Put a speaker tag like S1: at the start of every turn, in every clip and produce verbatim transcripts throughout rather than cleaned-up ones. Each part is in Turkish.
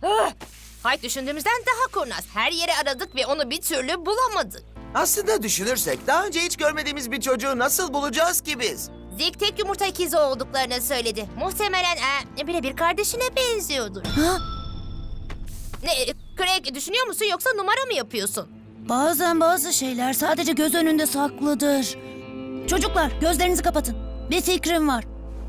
S1: Ah! Hayt düşündüğümüzden daha kurnaz. Her yeri aradık ve onu bir türlü bulamadık.
S2: Aslında düşünürsek daha önce hiç görmediğimiz bir çocuğu nasıl bulacağız ki biz?
S1: Zeke tek yumurta ikizi olduklarını söyledi. Muhtemelen e, birebir kardeşine benziyordur.
S3: Ha?
S1: Ne, Craig düşünüyor musun yoksa numara mı yapıyorsun?
S3: Bazen bazı şeyler sadece göz önünde saklıdır. Çocuklar gözlerinizi kapatın. Bir fikrim var.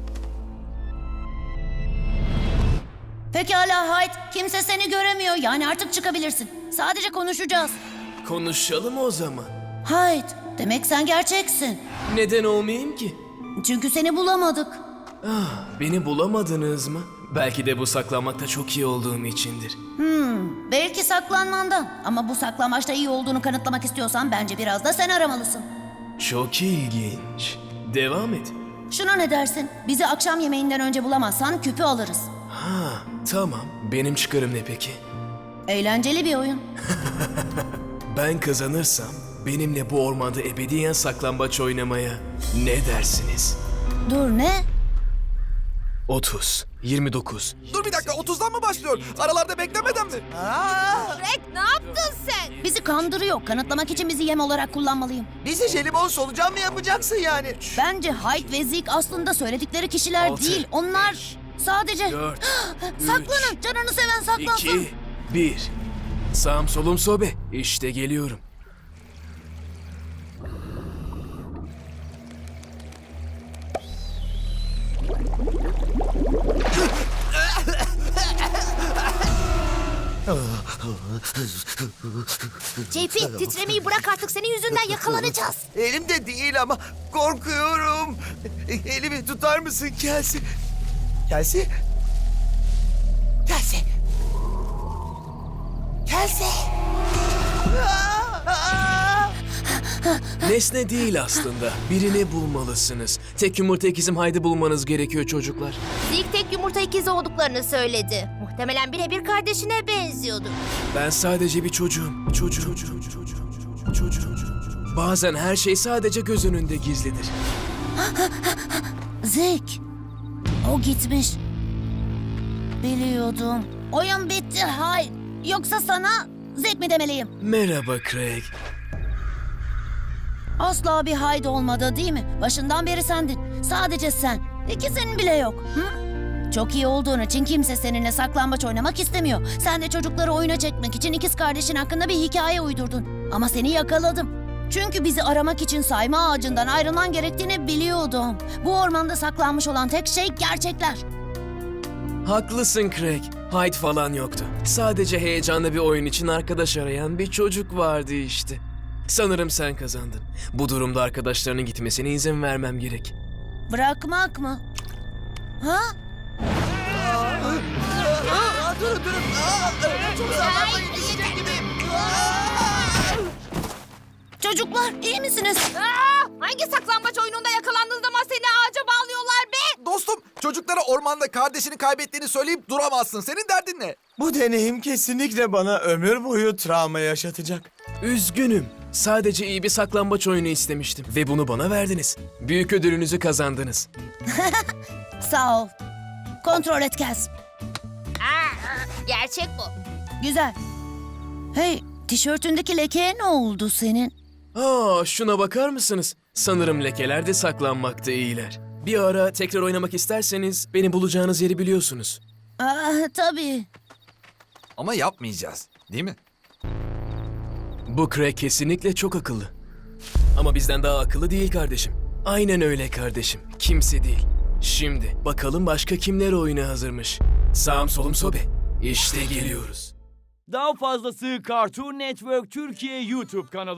S3: Pekala Hyde. Kimse seni göremiyor. Yani artık çıkabilirsin. Sadece konuşacağız.
S4: Konuşalım o zaman.
S3: Hyde, demek sen gerçeksin.
S4: Neden olmayayım ki?
S3: Çünkü seni bulamadık.
S4: Ah, beni bulamadınız mı? Belki de bu saklanmakta çok iyi olduğum içindir.
S3: Hmm, belki saklanmandan. Ama bu saklambaçta iyi olduğunu kanıtlamak istiyorsan bence biraz da sen aramalısın.
S4: Çok ilginç. Devam et.
S3: Şuna ne dersin? Bizi akşam yemeğinden önce bulamazsan küpü alırız.
S4: Ha, tamam. Benim çıkarım ne peki?
S3: Eğlenceli bir oyun.
S4: Ben kazanırsam benimle bu ormanda ebediyen saklambaç oynamaya ne dersiniz?
S3: Dur ne?
S4: otuz, yirmi dokuz.
S5: Dur bir dakika, otuzdan mı başlıyor? Aralarda beklemeden mi?
S2: Aa,
S1: Craig ne yaptın sen?
S3: Bizi kandırıyor. Kanıtlamak için bizi yem olarak kullanmalıyım.
S2: bizi jelibon solucan mı yapacaksın yani?
S3: Bence Hyde ve Zeke aslında söyledikleri kişiler
S4: Altı,
S3: değil. Onlar sadece...
S4: dört,
S3: Saklanın. Canını seven saklansın.
S4: iki, bir. Sağım solum sobe. İşte geliyorum.
S1: J P titremeyi bırak artık, senin yüzünden yakalanacağız.
S2: Elimde değil ama korkuyorum. Elimi tutar mısın Kelsey? Kelsey? Kelsey? Kelsey? Aa, aa!
S4: Nesne değil aslında. Birini bulmalısınız. Tek yumurta ikizim haydi bulmanız gerekiyor çocuklar.
S1: Zeke tek yumurta ikizi olduklarını söyledi. Muhtemelen birebir kardeşine benziyordu.
S4: Ben sadece bir çocuğum. Çocuğum. Çocuğum. Çocuğum. Çocuğum. Bazen her şey sadece göz önünde gizlidir.
S3: Zeke. O gitmiş. Biliyordum. Oyun bitti Hyde. Yoksa sana Zeke mi demeliyim?
S4: Merhaba Craig.
S3: Asla bir Hyde olmadı değil mi? Başından beri sendin. Sadece sen. İkisinin bile yok. Hı? Çok iyi olduğun için kimse seninle saklambaç oynamak istemiyor. Sen de çocukları oyuna çekmek için ikiz kardeşin hakkında bir hikaye uydurdun. Ama seni yakaladım. Çünkü bizi aramak için sayma ağacından ayrılman gerektiğini biliyordum. Bu ormanda saklanmış olan tek şey gerçekler.
S4: Haklısın Craig. Hyde falan yoktu. Sadece heyecanlı bir oyun için arkadaş arayan bir çocuk vardı işte. Sanırım sen kazandın. Bu durumda arkadaşlarının gitmesine izin vermem gerek.
S3: Bırakmak mı? Ha?
S2: Aa, durun durun. Aa, çok sağlamlayın. Düşecek gibiyim. Aa!
S3: Çocuklar iyi misiniz?
S1: Aa, hangi saklambaç oyununda yakalandığın zaman seni ağaca bağlıyorlar be?
S5: Dostum, çocuklara ormanda kardeşini kaybettiğini söyleyip duramazsın. Senin derdin ne?
S2: Bu deneyim kesinlikle bana ömür boyu travma yaşatacak.
S4: Üzgünüm. Sadece iyi bir saklambaç oyunu istemiştim. Ve bunu bana verdiniz. Büyük ödülünüzü kazandınız.
S3: Sağ ol. Kontrol et Kaz.
S1: Aa, gerçek bu.
S3: Güzel. Hey, tişörtündeki lekeye ne oldu senin?
S4: Aa, şuna bakar mısınız? Sanırım lekeler de saklanmakta iyiler. Bir ara tekrar oynamak isterseniz beni bulacağınız yeri biliyorsunuz.
S3: Aa, tabii.
S5: Ama yapmayacağız, değil mi?
S4: Bu Craig kesinlikle çok akıllı. Ama bizden daha akıllı değil kardeşim. Aynen öyle kardeşim. Kimse değil. Şimdi bakalım başka kimler oyuna hazırmış. Sağım solum sobe. İşte geliyoruz.
S6: Daha fazlası Cartoon Network Türkiye YouTube kanalı.